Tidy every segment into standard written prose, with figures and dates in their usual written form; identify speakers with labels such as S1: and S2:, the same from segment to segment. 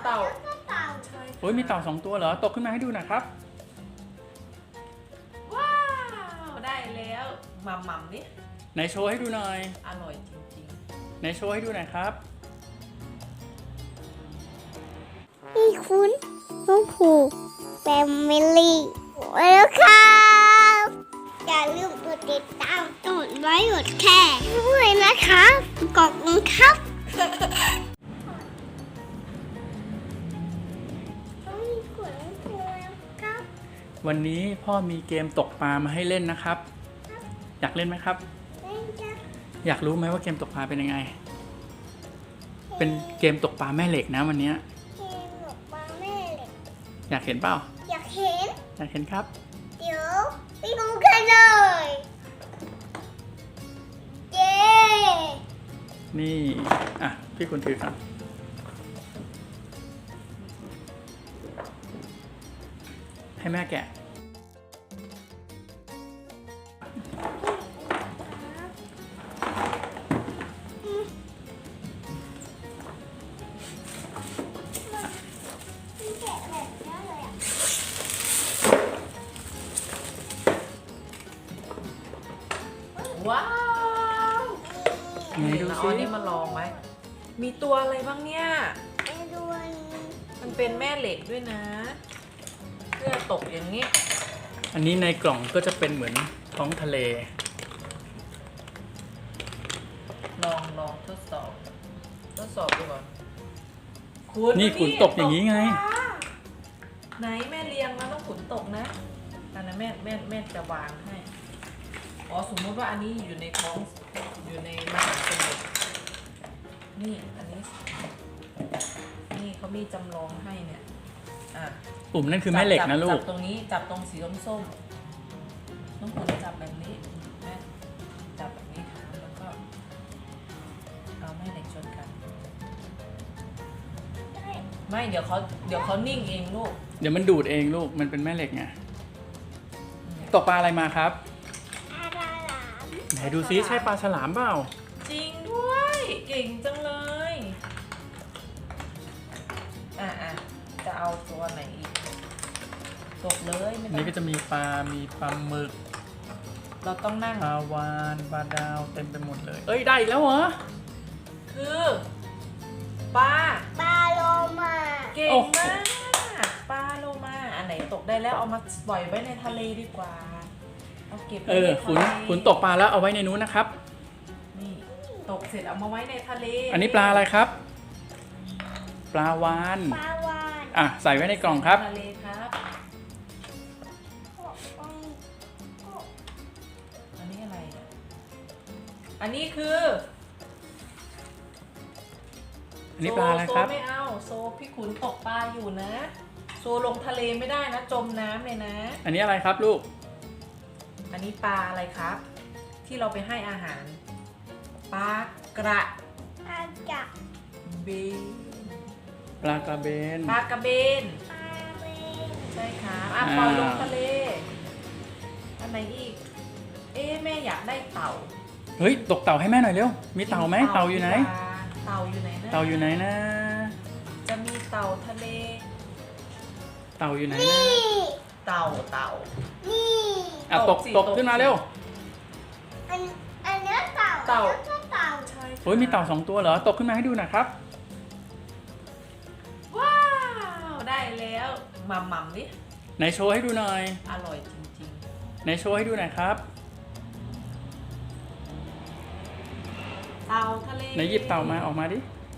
S1: เต่าใช่
S2: โอ้ยมีเต่า2 ตัวเหรอตกขึ้นมาให้ดูหน่อยครับ
S1: ว้าวได้แล้วหม่ำดิ
S2: ไหนโชว์ให้ดูหน่อย
S1: อร่อยจริง
S2: ไหนโชว์ให้ดูหน่อยครับ
S3: พี่คุณน้องผูแฟมิลี่แล้วครับอย่าลืมกดติดตามกดไลค์กดแชร์ด้วยนะครับขอบคุณครับครับ
S2: วันนี้พ่อมีเกมตกปลามาให้เล่นนะครับ อยากเล่นไหมครับ
S3: เล่นจ้ะ
S2: อยากรู้ไหมว่าเกมตกปลาเป็นยังไง เป็นเกมตกปลาแม่เหล็กนะวันนี้
S3: เกมหลบปลาแม่เหล็ก
S2: อยากเห็นเปล่า
S3: อยากเห็น
S2: อยากเห็นครับ
S3: เดี๋ยวไปดูกันเลยเย้
S2: นี่อ่ะพี่คุณถือครับให้แม่แกะ
S3: แกะแบบนี้เลยอ่ะ
S1: ๆว้าว
S2: ไหนดู
S1: เรา
S2: ซิ
S1: เอาอันนี้มาลองไหมมีตัวอะไรบ้างเนี่ย
S3: ไปดูอันนี้
S1: มันเป็นแม่เหล็กด้วยนะเพื่อตกอย่างนี้
S2: อันนี้ในกล่องก็จะเป็นเหมือนท้องทะเล
S1: ลองทดสอบดูก่อน
S2: นี่ขุนตกอย่างนี้ไง
S1: ปลาไหนแม่เลี้ยงแล้วต้องขุนตกนะอันนั้นแม่จะวางให้อ๋อสมมติว่าอันนี้อยู่ในท้องอยู่ในมหาสมุทรนี่อันนี้นี่เขามีจำลองให้เนี่ยอ่ะ
S2: ปุ่มนั่นคือแม่เหล็กนะลู
S1: จั
S2: ก
S1: บตรงนี้จับตรงสีส้มๆต้องขุนจับแบบนี้แม่จับแบบนี้ค่ะแล้วก็เอาแม่เหล็กชนกัน ไม่เดี๋ยวเขานิ่งเองลูก
S2: เดี๋ยวมันดูดเองลูก มันเป็นแม่เหล็กไง ตกปลาอะไรมาครับ
S3: อะไรหลาม
S2: ไหนดูซิใช่ปลาฉลามเปล่า
S1: จริงด้วย เก่งจังเลยอ่ะจะเอาตัวไหนอีกตกเลยไม่
S2: อัน
S1: ต้อ
S2: นี้
S1: ง
S2: ก็จะมีปลาหมึก
S1: เราต้องนั่ง
S2: ปลาวานปลาดาวเต็มไปหมดเลย เอ้ยได้อีกแล้วเหรอ
S1: คือปลา
S3: ปลาโลมา
S1: เก่ง
S2: โอ้โห
S1: มากปลาโลมาอันไหนตกได้แล้วเอามาปล่อยไว้ในทะเลดีกว่าเอาเก็บไว้ในทะ
S2: ขุน
S1: เล
S2: ขุนตกปลาแล้วเอาไว้ในนู้นนะครับ
S1: นี่ตกเสร็จเอามาไว้ในทะเล
S2: อันนี้ปลาอะไรครับ ปลาวาน
S3: ปลาวาน
S2: อ่ะใส่ไว้ในกล่องครับ
S1: ทะเลครับ อันนี้อะไรเนี่ยอันนี้คือ
S2: อันนี้ปลาอะไรครับ
S1: โซไม่เอาโซพี่ขุนตกปลาอยู่นะ โซลงทะเลไม่ได้นะ จมน้ำเลยนะ
S2: อันนี้อะไรครับลูก
S1: อันนี้ปลาอะไรครับ ที่เราไปให้อาหาร ปลากระ
S3: อาจะ
S1: เบน
S2: ปลากระเบน
S1: ปลากระเบน
S3: ปลาเบน
S1: ใช่ครับอ่ะปล่อยลงทะเล อันไหนอีก เอ๊ะแม่อยากได้เต่า
S2: เฮ้ยตกเต่าให้แม่หน่อยเร็ว มีเต่าไหมเต่าอยู่ไหน
S1: เต่าอยู่ไหนนะ
S2: เต่าอยู่ไหนนะ
S1: จะมีเต่าทะเล
S2: เต่าอยู่ไหนนะ
S3: นี่
S1: เต่า
S3: นี่
S2: อ่ะ
S1: ต
S2: ต
S1: ก
S2: ก
S1: สิ
S2: ตก
S1: ตก
S2: ขึ้นมา
S1: สิ
S2: เร็ว
S3: อันเนี้ยเต่า
S1: เต่า
S3: อันนี้ก็เต่า
S1: ใช่ค่ะ
S2: โอ้ยมีเต่า2 ตัวเหรอ ตกขึ้นมาให้ดูหน่อยครับ
S1: ว้าวได้แล้วหม่ำดิ
S2: ไหนโชว์ให้ดูหน่อย
S1: อร่อยจริง
S2: ไหนโชว์ให้ดูหน่อยครับ
S1: ๆ เต่าทะเล
S2: ไหนหยิบเต่ามาออกมาดิ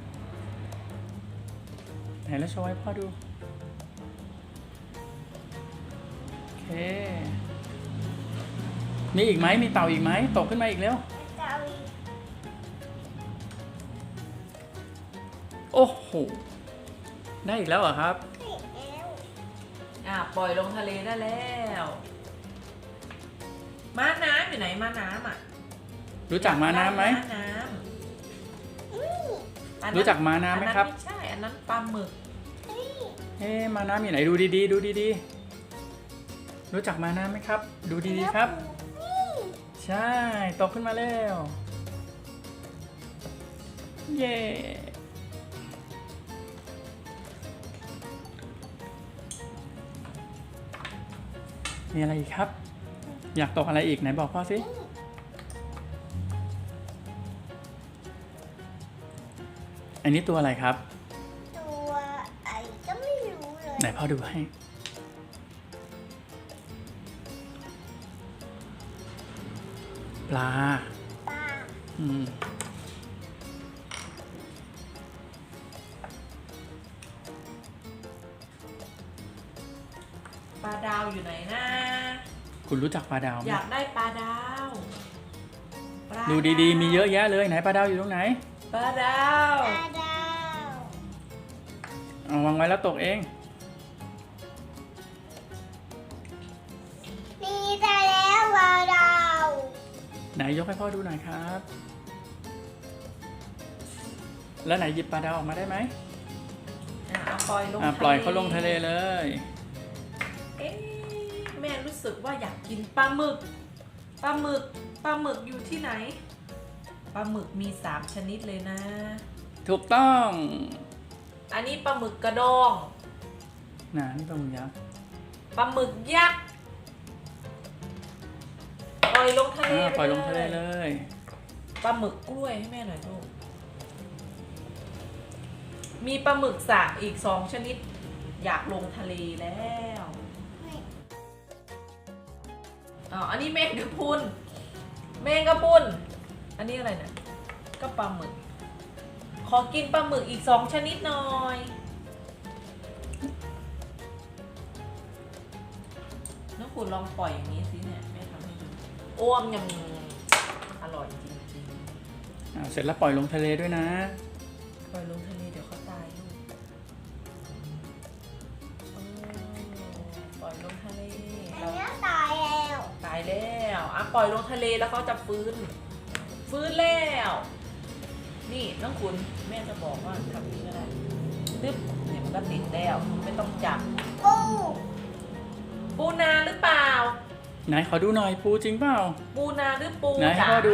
S2: ไหนแล้วโชว์ให้พ่อดู โอเค มีอีกไหมมีเต่าอีกไหมตกขึ้นมาอีกเร็ว
S3: เต่าอีก
S2: โอ้โห ได้อีกแล้วเหรอครับ
S3: แล้ว
S1: ปล่อยลงทะเลได้แล้ว ม้าน้ำอยู่ไหนม้าน้ำอ่ะ
S2: รู้จักม้าน้ำไหม
S1: ม้าน้ำอันนั้น
S2: รู้จักม้าน้ำไหมครับ
S1: อันนั้นไม่ใช่ อันนั้นปลาหมึก
S2: เอ๊ะม้าน้ำอยู่ไหนดูดีๆดูดีๆรู้จักม้าน้ำไหมครับ ดูดีๆครับ ใช่ตกขึ้นมาแล้ว เย้มีอะไรอีกครับ อยากตกอะไรอีกไหนบอกพ่อสิอันนี้ตัวอะไรครับ
S3: ตัวไอ้ก็ไม่รู้เลย
S2: ไหนพ่อดูให้ปลา
S3: ปลา
S1: ปลาดาวอยู่ไหนนะ
S2: คุณรู้จักปลาดาวไหม
S1: อยากได้ปลาดาวปลา
S2: ดูดีๆ มีเยอะแยะเลยไหนปลาดาวอยู่ตรงไหน
S1: ปลาดาว
S3: ปลาดาว
S2: เอาวางไว้แล้วตกเอง
S3: นี่ได้แล้วปลาดาว
S2: ไหนยกให้พ่อดูหน่อยครับ แล้วไหนหยิบปลาดาวออกมาได้ไหม
S1: เอาปล่อยลง
S2: ปล่อยเขาลงทะเลเลย
S1: เอ๊ะแม่รู้สึกว่าอยากกินปลาหมึกปลาหมึกอยู่ที่ไหนปลาหมึกมี3ชนิดเลยนะ
S2: ถูกต้อง
S1: อันนี้ปลาหมึกกระดอง
S2: นี่ปลาหมึกยักษ์
S1: ปลาหมึกยักษ์ปล่อยลงทะเล
S2: ปล่อยลงทะเลเลย
S1: ปลาหมึกกล้วยให้แม่หน่อยลูกมีปลาหมึกสากอีก2ชนิด อยากลงทะเลแล้วอันนี้แมงกะพรุนอันนี้อะไรเนี่ยก็ปลาหมึก ขอกินปลาหมึกอีก2ชนิดหน่อยน้องคุณลองปล่อยอย่างนี้สิเนี่ยแม่ทำให้ดูอ้วมยังอร่อยจริงๆ
S2: เสร็จแล้วปล่อยลงทะเลด้วยนะ
S1: ปล่อยลงทะเลเดี๋ยวเขาตายลูกปล่อยลงทะเล
S3: อันนี้ตายแล้ว
S1: ตายแล้วปล่อยลงทะเลแล้วเขาจะฟื้นแล้ว นี่น้องคุณแม่จะบอกว่าทำนี้ก็ได้ตึ๊บเนี่ยมันก็ติดแล้วไม่ต้องจับ ปูนาหรือเปล่า
S2: ไหนขอดูหน่อยปูจริงเปล่า
S1: ปูนาหรือปู
S2: ไหนให้
S1: จ๋า
S2: พ่อดู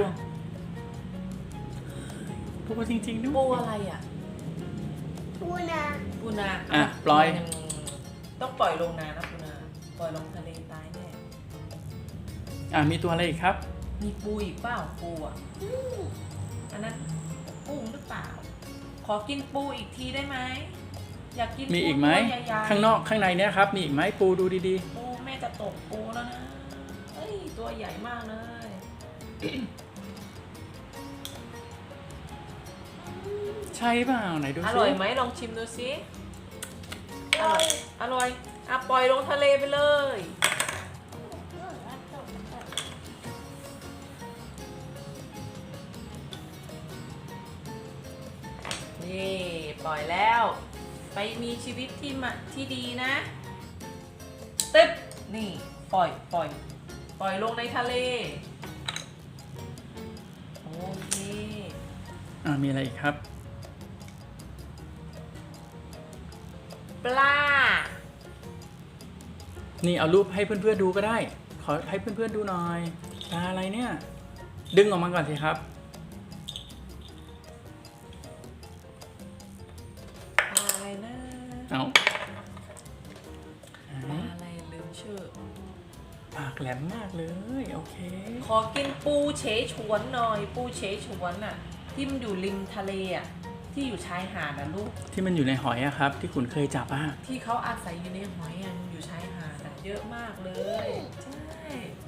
S2: ปูจริงๆด้วย
S1: ปูอะไรอ่ะ
S3: ปูนา
S1: ปูนา
S2: ปล่อย
S1: ต้องปล่อยลงนานะปูนาปล่อยลงทะเลตายแน่
S2: มีตัวอะไรอีกครับ
S1: มีปูอีกเปล่าปูอ่ะอันนั้นกุ้งหรือเปล่า ขอกินปูอีกทีได้ไหมอยากกิน
S2: มีอีกไหม
S1: ปูตัวใญ่ๆ
S2: ข้างนอกข้างในเนี่ยครับมีอีกไหมปูดูดี
S1: ปูแม่จะตกปูแล้วนะเอ้ยตัวใหญ่มากเลย
S2: ๆ ใช่เปล่าไหนดู
S1: อ
S2: สิ
S1: ร่อยไหมลองชิมดูสิอร่อยปล่อยลงทะเลไปเลย นี่ปล่อยแล้ว ไปมีชีวิตที่ดีนะตึ๊บนี่ปล่อยลงในทะเลโอเค
S2: มีอะไรอีกครับ
S1: ปลา
S2: นี่เอารูปให้เพื่อนๆดูก็ได้ ขอให้เพื่อนๆดูหน่อยปลาอะไรเนี่ย ดึงออกมาก่อนสิครับ
S1: ปลาอะไรนะ
S2: เอา
S1: ปลาอะไรลืมชื่อ
S2: ปากแหลมมากเลยโอเค
S1: ขอกินปูเฉฉวนหน่อย ปูเฉฉวนอ่ะ ที่มันอยู่ริมทะเลอ่ะ ที่อยู่ชายหาดนะลูก
S2: ที่มันอยู่ในหอยอะครับ ที่คุณเคยจับอะ
S1: ที่เขาอาศัยอยู่ในหอยอ่ะมันอยู่ชายหาดอะเยอะมากเลยใช่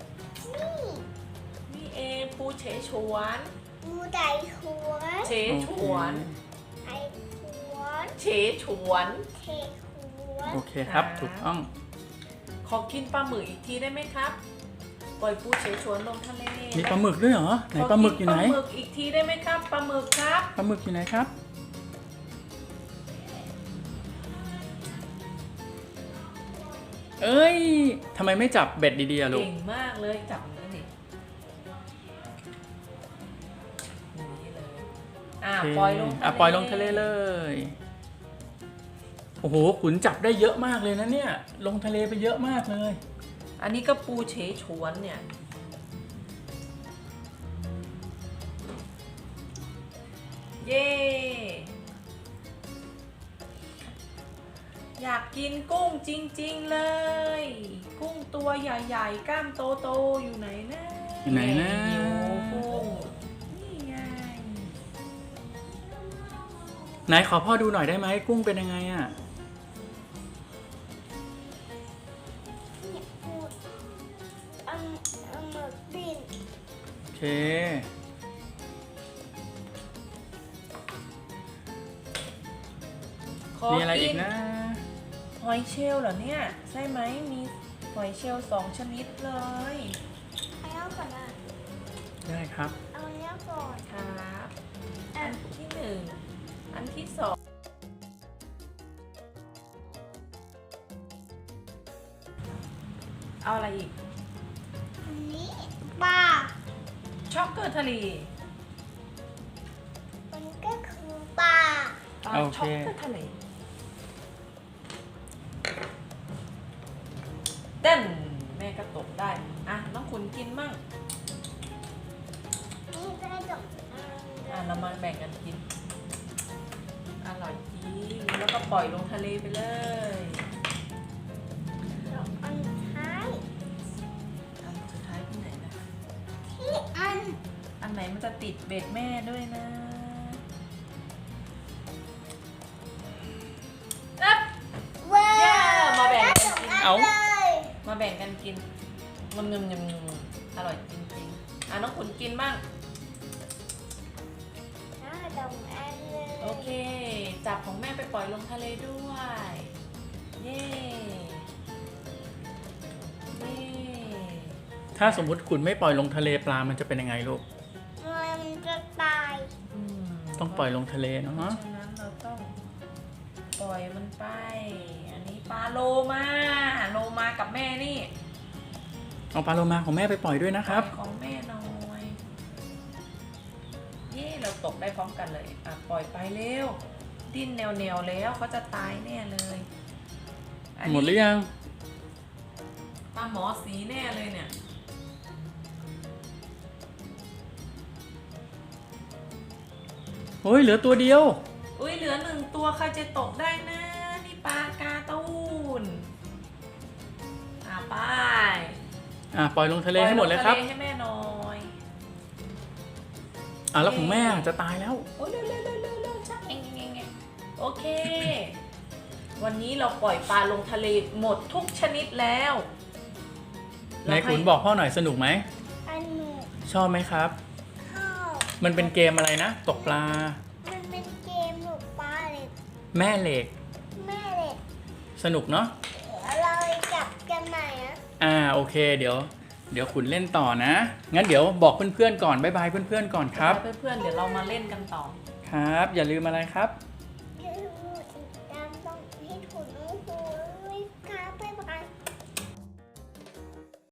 S1: นี่เองปูเฉฉวน
S3: ปูไตหัว
S1: เฉฉวน
S3: ไอหัว
S1: เฉฉวน
S3: เทหัว
S2: โอเคครับถูกต้อง
S1: ขอกินปลาหมึกอีกทีได้ไหมครับ ปล่อยปูเฉฉวนลงทะเล
S2: มีปลาหมึกด้วยเหรอไหนปลาหมึกอยู่ไหน
S1: ขกิปลาหมึกอีกทีได้ไหมครับปลาหมึกครับ
S2: ปลาหมึกอยู่ไหนครับ เอ้ยทำไมไม่จับเบ็ดดีๆอะลูก
S1: เก่งมากเลยจับอย่างนี้ดิอย่างนี้เลย
S2: โอเค
S1: ปล่อยลงทะเล
S2: ปล่อยลงทะเลเลย โอ้โหขุนจับได้เยอะมากเลยนะเนี่ย ลงทะเลไปเยอะมากเลย
S1: อันนี้ก็ปูเฉฉวนเนี่ย เย้อยากกินกุ้งจริงๆเลย กุ้งตัวใหญ่ๆกล้ามโตๆอยู่ไหนนะ
S2: อยู่ไหนนะ
S1: หิวกุ้งนี่ไง
S2: ไหนขอพ่อดูหน่อยได้ไหมกุ้งเป็นยังไงอ่ะ
S3: อันหมึกปิ้ง
S2: โอเค
S1: ขอ
S2: มีอะไร
S1: กิ
S2: อี
S1: น
S2: กนะ
S1: หอยเชลล์เหรอเนี่ยใช่ไหมมีหอยเชลล์2 ชนิดเลย
S3: เอาก่อนนะ
S2: ได้ครับ
S3: เอาเนี้ยก่อน
S1: ครับอันที่1อันที่2เอาอะไรอีก
S3: อันนี้ปลา
S1: ช็อกเกอร์ทะเล
S3: มันก็คือปลา
S1: ปลา
S2: โอเค
S1: ช็อกเกอร์ทะเลเต้นแม่ก็ตกได้อ่ะน้องขุนกินมั่ง
S3: นี่จะได้จบ
S1: เรามาแบ่งกันกินอร่อยจริงแล้วก็ปล่อยลงทะเลไปเลย
S3: อันท้าย
S1: อันสุดท้ายที่ไหนนะ
S3: ที่อัน
S1: อันไหนมันจะติดเบ็ดแม่ด้วยนะนับ
S3: เว้ย
S1: มาแบ่งกันกิน
S2: เอา
S3: เลย
S1: มาแบ่งกันกินงึมอร่อยจริงๆน้องขุนกินบ้าง
S3: น่าดมอันเลย
S1: โอเค จับของแม่ไปปล่อยลงทะเลด้วย เย้เย้
S2: ถ้าสมมุติคุณไม่ปล่อยลงทะเลปลามันจะเป็นยังไงลูก
S3: มันจะตาย
S2: ต้องปล่อยลงทะเลเนาะ
S1: ฉะนั้นเราต้องปล่อยมันไป อันนี้ปลาโลมากับแม่นี่
S2: เอาปลาโลมาของแม่ไปปล่อยด้วยนะครับ
S1: ปล่อยของแม่หน่อยเย่เราตกได้พร้อมกันเลยอ่ะปล่อยไปเร็วดิ้นแนวๆแล้วเขาจะตายแน่เลยอันนี้
S2: หมดหรือยัง
S1: ปลาหมอสีแน่เลยเนี่ย
S2: เฮ้ยเหลือตัวเดียว
S1: อุ้ยเหลือ1 ตัวใครจะตกได้นะนี่ปลากาตูนไป
S2: ปล่อยลงทะเลให้หมดเลยครับ
S1: ปอทะให้แม่หน่อย
S2: แล้วของแม่จะตายแล้ว
S1: โอ้ยเร็วชักเองโอเค วันนี้เราปล่อยปลาลงทะเลหมดทุกชนิดแล้ว
S2: ไหนขุนบอกพ่อหน่อยสนุกไหม
S3: อันหนู
S2: ชอบไหมครับ
S3: ข้าว
S2: มันเป็นเกมอะไรนะ ตกปลา
S3: มันเป็นเกมหนูปลาเลย
S2: แม่เหล็ก
S3: แม่เลย
S2: สนุกเนาะ
S3: เราจับกันไหนอะ
S2: โอเค เดี๋ยวขุนเล่นต่อนะ งั้นเดี๋ยวบอกเพื่อนๆก่อน บ๊ายบายเพื่อนๆก่อนครับ
S1: เพื่อนๆเดี๋ยวเรามาเล่นกันต่อ
S2: ครับ อย่าลืมอะไรครับ